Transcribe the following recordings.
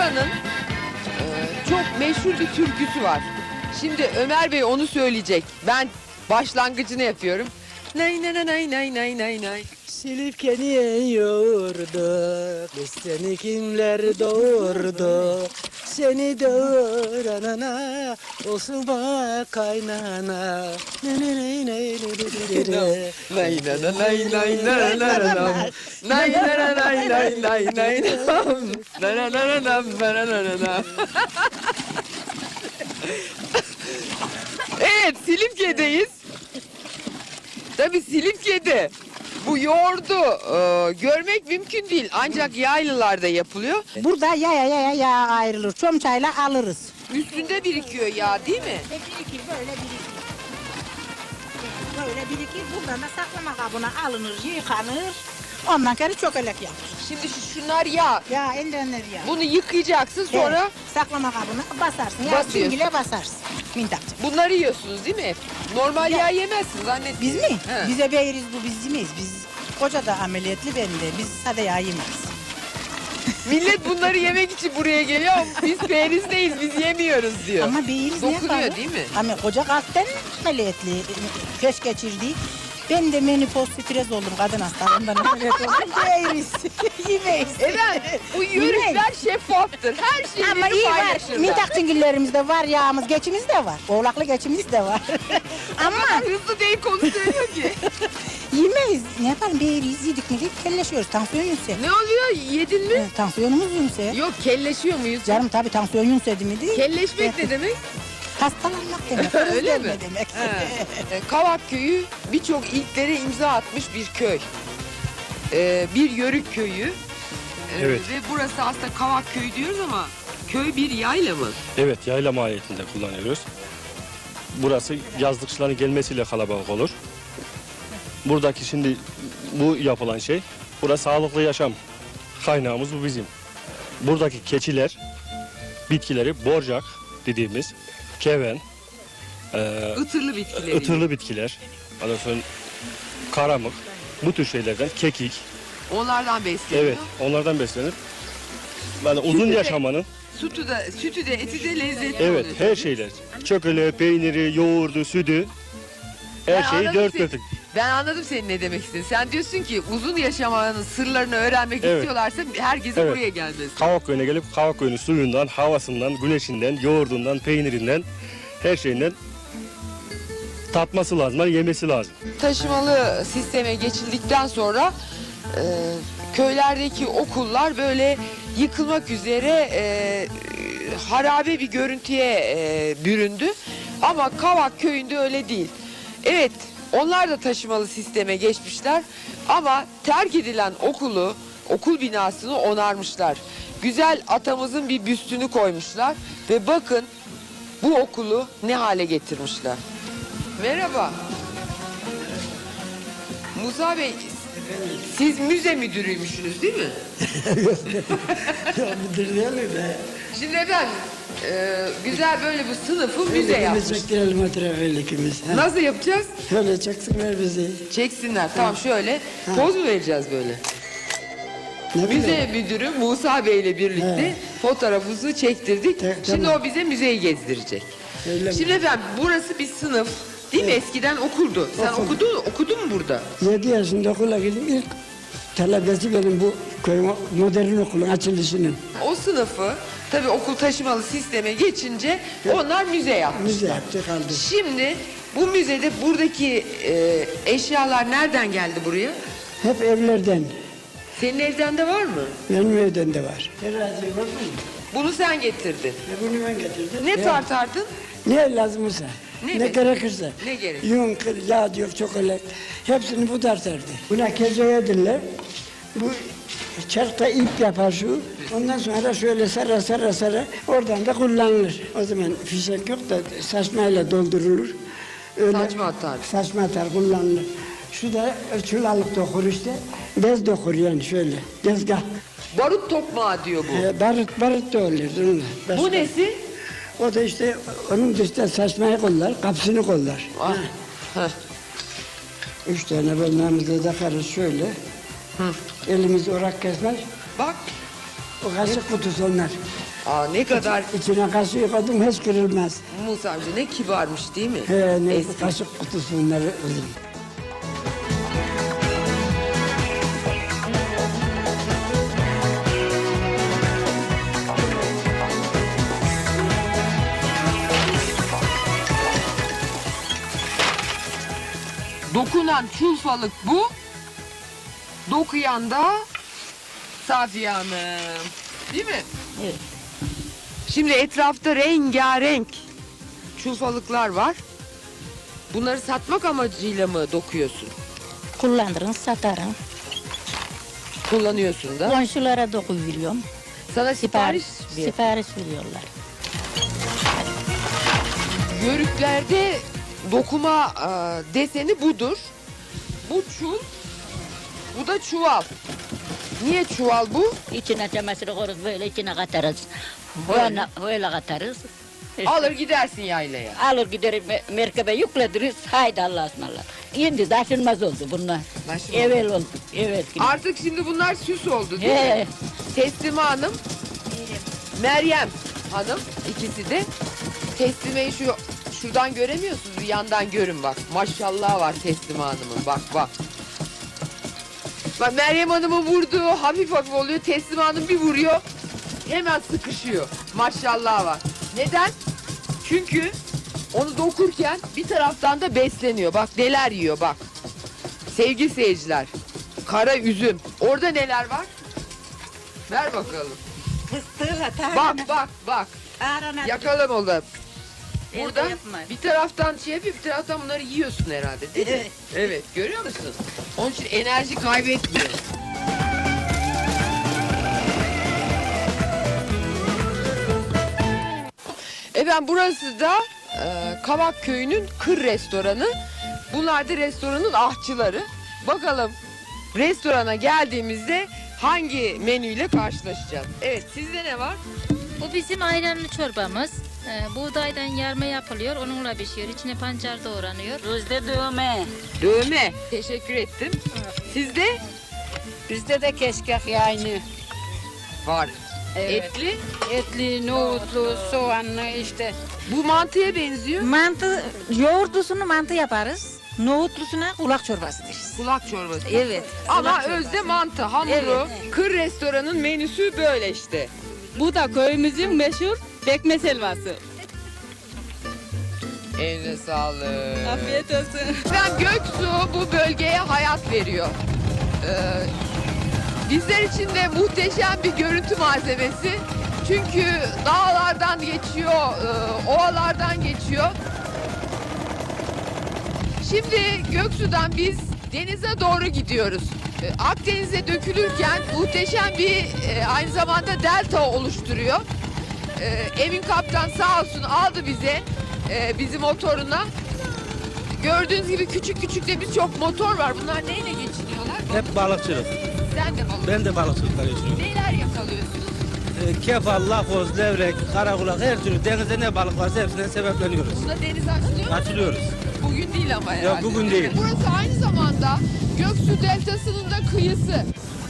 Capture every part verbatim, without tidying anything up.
buranın e, çok meşhur bir türküsü var. Şimdi Ömer Bey onu söyleyecek. Ben başlangıcını yapıyorum. Nay nay nay nay nay nay nay. Silifke'ni yoğurdu, biz seni kimler doğurdu? Seni doğuranana, olsun bak kaynana. Ne ne ne ne ne ne ne. Nay nay nay nay nay nay nay. Nay nay nay nay nay nay. Nay nay nay nay nay nay. Evet, Silifke'deyiz. Tabii Silifke'de bu yoğurdu e, görmek mümkün değil. Ancak yaylılarda yapılıyor. Burada yaya yaya yağ ayrılır. Çomçayla alırız. Üstünde birikiyor yağ değil mi? E birikir böyle birikir. Böyle birikir. Buradan da saklama kabına alınır, yıkanır. Ondan sonra çökelek yapılır. Şimdi şu, şunlar yağ. Ya endenler ya. Bunu yıkayacaksın sonra Evet, saklama kabına basarsın. Ya Basıyorsun. süngüle basarsın. Mintakçı. bunları yiyorsunuz değil mi hep? Normal Ya- yağ yemezsiniz zannetmiyorum. Biz mi? He. Bize beğeriz bu biz yemeyiz. Biz koca da ameliyatlı ben de. Biz sade yağ yemeyiz. Millet bunları yemek için buraya geliyor ama biz perizdeyiz, biz yemiyoruz diyor. Ama beğeriz ne Dokunuyor yapalım? değil mi? Ama koca kalpten ameliyatlı. Peş geçirdi. Ben de menopoz stres oldum kadın hastalığından ameliyat oldum. Beğeriz. Yemeyiz. Evet, bu yörükler şeffaftır. Her şeyi Ama iyi var. paylaşırlar. Mintak çingillerimizde var, yağımız, geçimiz de var. Oğlaklı geçimiz de var. Ama Hızlı değil konu söylüyor ki. yemeyiz. Ne yapalım? Beğeriz, yedik mi yedik, kelleşiyoruz. Tansiyon yükse. Ne oluyor? Yedin mi? Evet, tansiyonumuz yükse. Yok, kelleşiyor muyuz? Canım tabii tansiyon yüksedi mi değil. Kelleşmek ne demek? Hastalanmak demek. Öyle mi? özlenme demek. He. E, Kavak Köyü birçok ilklere imza atmış bir köy. Ee, bir yörük köyü. Ee, Evet. Ve burası aslında Kavak Köyü diyoruz ama köy bir yayla mı? Evet, yayla mahiyetinde kullanıyoruz. Burası yazlıkçıların gelmesiyle kalabalık olur. Buradaki şimdi bu yapılan şey, burası sağlıklı yaşam kaynağımız bu bizim. Buradaki keçiler, bitkileri borcak dediğimiz keven, e, Itırlı bitkileri. ıtırlı bitkiler, ondan sonra karamık, bu tür şeylerden kekik, Onlardan besleniyor. evet onlardan beslenir. Yani uzun Sütü de- yaşamanın Sütü de, sütü de eti de lezzetli evet oluyor. her şeyler, çökele, peyniri, yoğurdu, sütü, her Ben şeyi anladım dört seni. dörtlük. Ben anladım senin ne demek istediğini. Sen diyorsun ki uzun yaşamanın sırlarını öğrenmek Evet. istiyorlarsa herkesin Evet. buraya gelmesi. Kavak köyüne gelip Kavak köyünün suyundan, havasından, güneşinden, yoğurdundan, peynirinden, her şeyinden tatması lazım, yani yemesi lazım. Taşımalı sisteme geçildikten sonra e, köylerdeki okullar böyle yıkılmak üzere e, harabe bir görüntüye e, büründü. Ama Kavak köyünde öyle değil. Evet, onlar da taşımalı sisteme geçmişler ama terk edilen okulu, okul binasını onarmışlar. Güzel atamızın bir büstünü koymuşlar ve bakın bu okulu ne hale getirmişler. Merhaba. Musa Bey, siz müze müdürüymüşsünüz değil mi? Müdür değil mi be? Şimdi efendim, e, güzel böyle bir sınıfı müze yapmış. çektirelim oturalım ikimiz. Ha. Nasıl yapacağız? Şöyle çeksinler bizi. Çeksinler. Tamam şöyle. Poz mu vereceğiz böyle? Ne bileyim. Müze müdürü Musa Bey ile birlikte He. fotoğrafımızı çektirdik. Te- Şimdi tamam. o bize müzeyi gezdirecek. Öyle mi? Şimdi efendim burası bir sınıf. Değil mi? Eskiden okuldu. Sen Okul. okudun, okudun mu burada? Yedi yaşında okula gittim. İlk talebesi benim bu köy modern okulun açılışının. O sınıfı tabii okul taşımalı sisteme geçince onlar müze yapmış. Müze yaptı kaldı. Şimdi bu müzede buradaki e, eşyalar nereden geldi buraya? Hep evlerden. Senin evden de var mı? Benim evden de var. Terazi var mı? Bunu sen getirdin. E bunu ben getirdim. Ne Ya, tartardın? Ne lazımsa. Ne Ne, be- gerekirse. Ne gerek? Yun, kır, yağ diyor, çokolat. Hepsini bu tartardı. Buna kezoya derler. Bu çarkta ip yapar şu. Ondan sonra şöyle sara sara sara oradan da kullanılır. O zaman fişek yok da saçmayla doldurulur. Öyle Saçma atar. Saçma atar kullanılır. Şu da çulalık dokur işte. Bez dokur yani şöyle. Dezgah. Barut tokmağı diyor bu. Ee, barut barut da olur. onunla. Bu Başka- nesi? O da işte onun dışında saçmayı kollar, kapısını kollar. Ah. Heh. Üç tane bölmemizde takarız şöyle. Elimiz orak kesmez. Bak. O kaşık kutusu onlar. Aa, ne kadar İçine kaşığı koydum hiç kırılmaz. Musa amca ne kibarmış değil mi? He, ne Eski. kaşık kutusu bunları kızım. Dokunan çulfalık bu. Dokuyan da Safiye Hanım. Değil mi? Evet. Şimdi etrafta rengarenk çulfalıklar var. Bunları satmak amacıyla mı dokuyorsun? Kullanırım, satarım. Kullanıyorsun da. Komşulara doku veriyorum. Sana sipariş Sipariş, ver. sipariş veriyorlar. Yörüklerde dokuma e, deseni budur. Bu çul, bu da çuval. Niye çuval bu? İçine çamaşır koyarız böyle içine katarız. Böyle. Böyle, böyle katarız. İşte Alır gidersin yaylaya. alır giderim me- merkebe yüklediriz. Haydi Allah'a ısmarladık. Şimdi taşınmaz oldu bunlar. Taşınmaz. Evvel oldu. Evet. Artık şimdi bunlar süs oldu değil mi? He. Teslime Hanım, Meryem Hanım ikisi de. Teslimeyi şu şuradan göremiyorsunuz, bir yandan görün bak. Maşallah var Teslime Hanım'ın, bak bak. Bak Meryem Hanım'ın vurduğu hafif hafif oluyor, Teslime Hanım bir vuruyor, hemen sıkışıyor. Maşallah var. Neden? Çünkü onu dokurken bir taraftan da besleniyor. Bak neler yiyor bak. Sevgili seyirciler, kara üzüm. Orada neler var? Ver bakalım. Fıstığıyla Bak bak bak. Yakalım oğlum. Burada yapma. bir taraftan şey yapıyor, bir taraftan bunları yiyorsun herhalde değil mi? Evet. Evet, görüyor musun? Onun için enerji kaybetmiyor. Efendim burası da e, Kavak Köyü'nün kır restoranı. Bunlar da restoranın ahçıları. Bakalım restorana geldiğimizde hangi menüyle karşılaşacağız? Evet, sizde ne var? Bu bizim ayranlı çorbamız. Ee, buğdaydan yarma yapılıyor, onunla pişiyor. İçine pancar doğranıyor. Rüzde dövme. Dövme. Teşekkür ettim. Sizde Bizde de keşkek yani. var. Evet. Etli. Etli, nohutlu, soğanlı işte. Bu mantıya benziyor. Mantı, yoğurdusunu mantı yaparız. Nohutlusuna kulak çorbası deriz. Kulak çorbası. Evet. Ama kulak çorbası. özde mantı, hamuru. Kır restoranın menüsü böyle işte. Bu da köyümüzün meşhur pekmez helvası. Eline sağlık. Afiyet olsun. Ben Göksu bu bölgeye hayat veriyor. Ee, bizler için de muhteşem bir görüntü malzemesi. Çünkü dağlardan geçiyor, e, ovalardan geçiyor. Şimdi Göksu'dan biz denize doğru gidiyoruz. E, Akdeniz'e dökülürken muhteşem bir e, aynı zamanda delta oluşturuyor. E, Emin Kaptan sağ olsun aldı bize e, bizi motoruna. Gördüğünüz gibi küçük küçük de birçok motor var. Bunlar neyle geçiniyorlar? Hep balıkçılık. Sen de balık. Ben de balıkçılıkla geçiyorum. Neler yakalıyorsunuz? Ee, kefal, lakoz, levrek, karakulak her türlü denizde ne balık varsa hepsine sebepleniyoruz. Buna deniz açılıyor mu? Açılıyoruz. Bugün değil ama herhalde. bugün değil. Burası aynı zamanda Göksu Deltası'nın da kıyısı.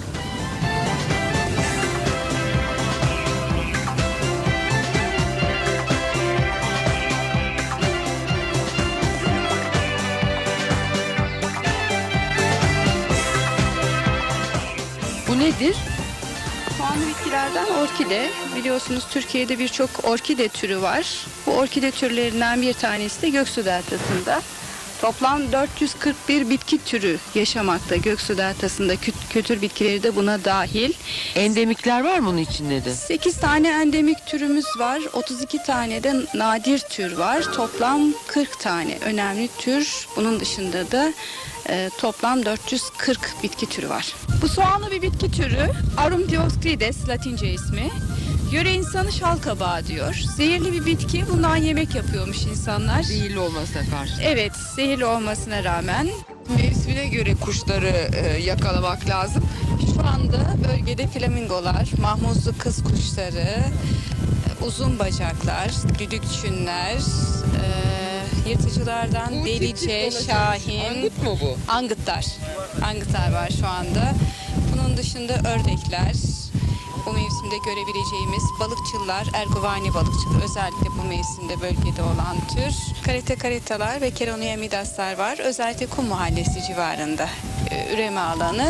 Bu nedir? Soğanlı bitkilerden orkide. Biliyorsunuz Türkiye'de birçok orkide türü var. Bu orkide türlerinden bir tanesi de Göksu Deltası'nda. Toplam dört yüz kırk bir bitki türü yaşamakta Göksu Deltası'nda. Kü- Kültür bitkileri de buna dahil. Endemikler var mı onun içinde de? sekiz tane endemik türümüz var. otuz iki tane de nadir tür var. Toplam kırk tane önemli tür. Bunun dışında da e, toplam dört yüz kırk bitki türü var. Bu soğanlı bir bitki türü. Arum dioskrides Latince ismi. Yöre insanı şal kabağı diyor. Zehirli bir bitki. Bundan yemek yapıyormuş insanlar. Zehirli olmasına karşı. Evet, zehirli olmasına rağmen Mevsimine göre kuşları e, yakalamak lazım. şu anda bölgede flamingolar, mahmuzlu kız kuşları, uzun bacaklar, düdükçünler, e, yırtıcılardan Bu tip tip delice, dolaşan- şahin, Angut mu bu? angıtlar. Angıtlar var şu anda. Bunun dışında ördekler, bu mevsimde görebileceğimiz balıkçılar, ergovani balıkçılar özellikle bu mevsimde bölgede olan tür. Karate karetalar ve Keronia midaslar var. Özellikle Kum Mahallesi civarında e, üreme alanı.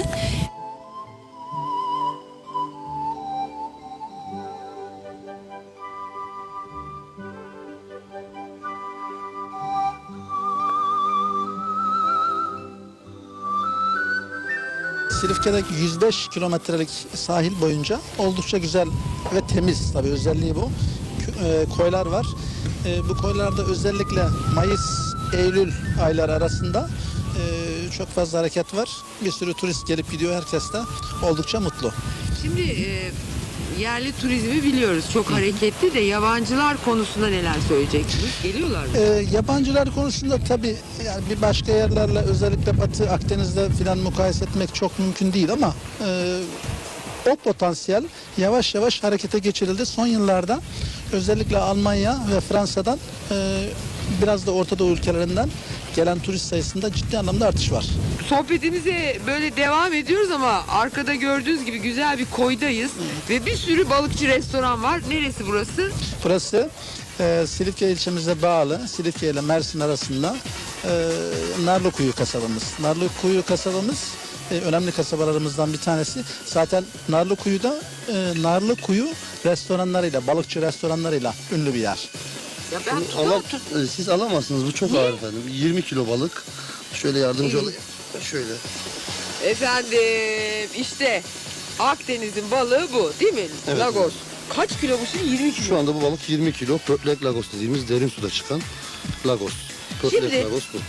Silifke'deki yüz beş kilometrelik sahil boyunca oldukça güzel ve temiz, tabii özelliği bu. K- e, koylar var. E, bu koylarda özellikle Mayıs, Eylül ayları arasında e, çok fazla hareket var. Bir sürü turist gelip gidiyor, herkes de oldukça mutlu. Şimdi e, yerli turizmi biliyoruz çok hareketli de yabancılar konusunda neler söyleyeceksiniz? Geliyorlar mı? E, yabancılar konusunda tabii yani bir başka yerlerle özellikle Batı Akdeniz'de filan mukayese etmek çok mümkün değil ama e, o potansiyel yavaş yavaş harekete geçirildi. Son yıllarda özellikle Almanya ve Fransa'dan e, biraz da Orta Doğu ülkelerinden gelen turist sayısında ciddi anlamda artış var. Sohbetimize böyle devam ediyoruz ama arkada gördüğünüz gibi güzel bir koydayız ve bir sürü balıkçı restoran var. Neresi burası? Burası e, Silifke ilçemize bağlı, Silifke ile Mersin arasında e, Narlıkuyu kasabamız. Narlıkuyu kasabamız e, önemli kasabalarımızdan bir tanesi. Zaten Narlıkuyu'da e, Narlıkuyu restoranlarıyla, balıkçı restoranlarıyla ünlü bir yer. Ya ben Alam, siz alamazsınız, bu çok ağır efendim. yirmi kilo balık. Şöyle yardımcı olayım. Şöyle. Efendim işte Akdeniz'in balığı bu değil mi? Evet, Lagos. evet. Kaç kilo bu şimdi? yirmi kilo. Şu anda bu balık yirmi kilo. Pörtlek lagos dediğimiz derin suda çıkan lagos. Pörtlek Şimdi- lagos bu.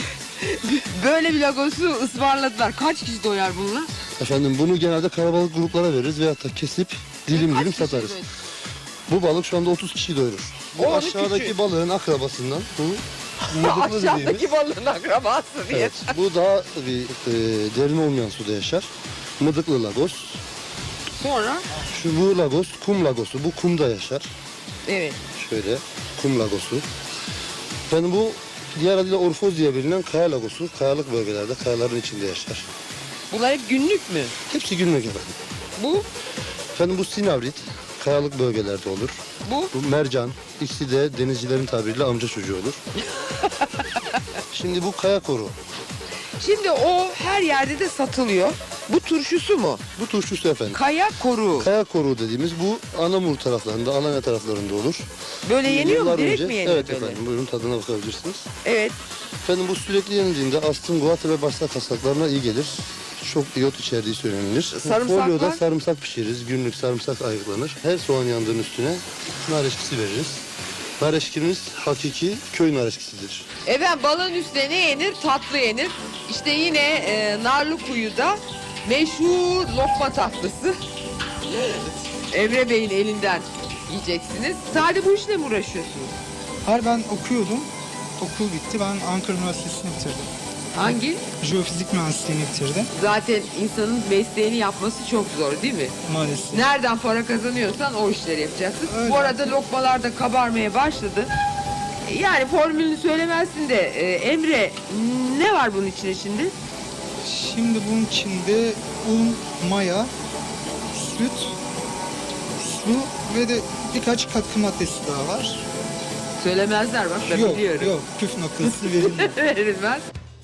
Böyle bir Lagos'u ısmarladılar. Kaç kişi doyar bununla? Efendim bunu genelde kalabalık gruplara veririz veyahut da kesip dilim Kaç dilim kişi satarız. doyar? Bu balık şu anda otuz kişi doyurur. Bu O, onu aşağıdaki küçük. balığın akrabasından. Bu mıdıklı dediğimiz. Aşağıdaki balığın akrabası diye. Evet, bu daha bir e, derin olmayan suda yaşar. Mıdıklı lagos. Sonra Şu bu lagos, kum lagosu. Bu kumda yaşar. evet. Şöyle kum lagosu. Yani bu diğer adıyla orfoz diye bilinen kaya lagosu. Kayalık bölgelerde, kayaların içinde yaşar. Bunlar hep günlük mü? Hepsi günlük efendim. Bu, Efendim bu sinavrit, kayalık bölgelerde olur. bu. Bu mercan, ikisi de denizcilerin tabiriyle amca çocuğu olur. Şimdi bu kaya koru. Şimdi o her yerde de satılıyor. Bu turşusu mu? Bu turşusu efendim. Kaya koru. Kaya koru dediğimiz bu Anamur taraflarında, Alanya taraflarında olur. Böyle yeniyor mu? Yıllar Direkt önce- mi yeniyor Evet böyle? efendim, buyurun tadına bakabilirsiniz. Evet. Efendim bu sürekli yenildiğinde astım, guatr ve bağırsak hastalıklarına iyi gelir. Çok iyot içerdiği söylenilir. Sarımsak Folyoda var. sarımsak pişiririz. Günlük sarımsak ayıklanır. Her soğan yandığının üstüne nar eşkisi veririz. Nar eşkimiz hakiki köy nar eşkisidir. Efendim balığın üstüne ne yenir? Tatlı yenir. İşte yine e, Narlıkuyu'da meşhur lokma tatlısı. Emre Bey'in elinden yiyeceksiniz. Sadece bu işle mi uğraşıyorsunuz? Hayır, ben okuyordum. Okul bitti. Ben Ankara Üniversitesi'ni bitirdim. Hangi? Jeofizik mühendisliğini bitirdim Zaten insanın mesleğini yapması çok zor değil mi? maalesef. Nereden para kazanıyorsan o işleri yapacaksın. Öyle. Bu arada lokmalar da kabarmaya başladı. Yani formülünü söylemezsin de e, Emre ne var bunun içine şimdi? Şimdi bunun içinde un, maya, süt, su ve de birkaç katkı maddesi daha var. Söylemezler bak ben yok, biliyorum. yok. Püf noktası verilmiyor. Verilmez.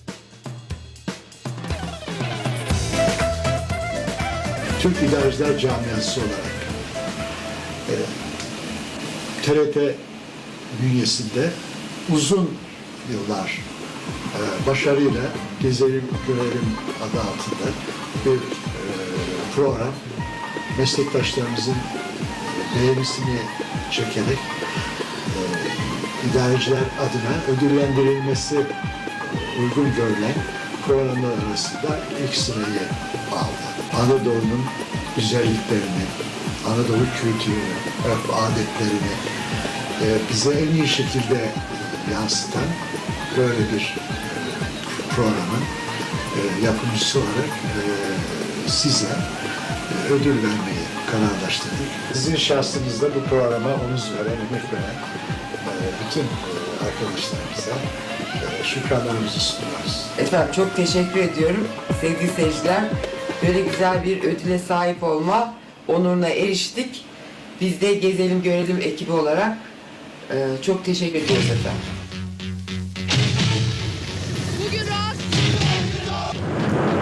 Türk İdareciler Camiası olarak e, T R T bünyesinde uzun yıllar e, başarıyla Gezelim Görelim adı altında bir e, program meslektaşlarımızın beğenisini çekerek e, idareciler adına ödüllendirilmesi uygun görülen programlar arasında ilk sırayı aldı. Anadolu'nun güzelliklerini, Anadolu kültürünü, örf adetlerini e, bize en iyi şekilde yansıtan böyle bir e, programın e, yapımcısı olarak e, size e, ödül vermeyi kararlaştırdık. Sizin şahsınızda bu programa omuz veren, emek veren e, bütün e, arkadaşlarımıza e, şükranlarımızı sunuyoruz. Efendim çok teşekkür ediyorum sevgili seyirciler. Böyle güzel bir ödüle sahip olma onuruna eriştik. Biz de Gezelim Görelim ekibi olarak e, çok teşekkür ediyoruz efendim. Bugün rahat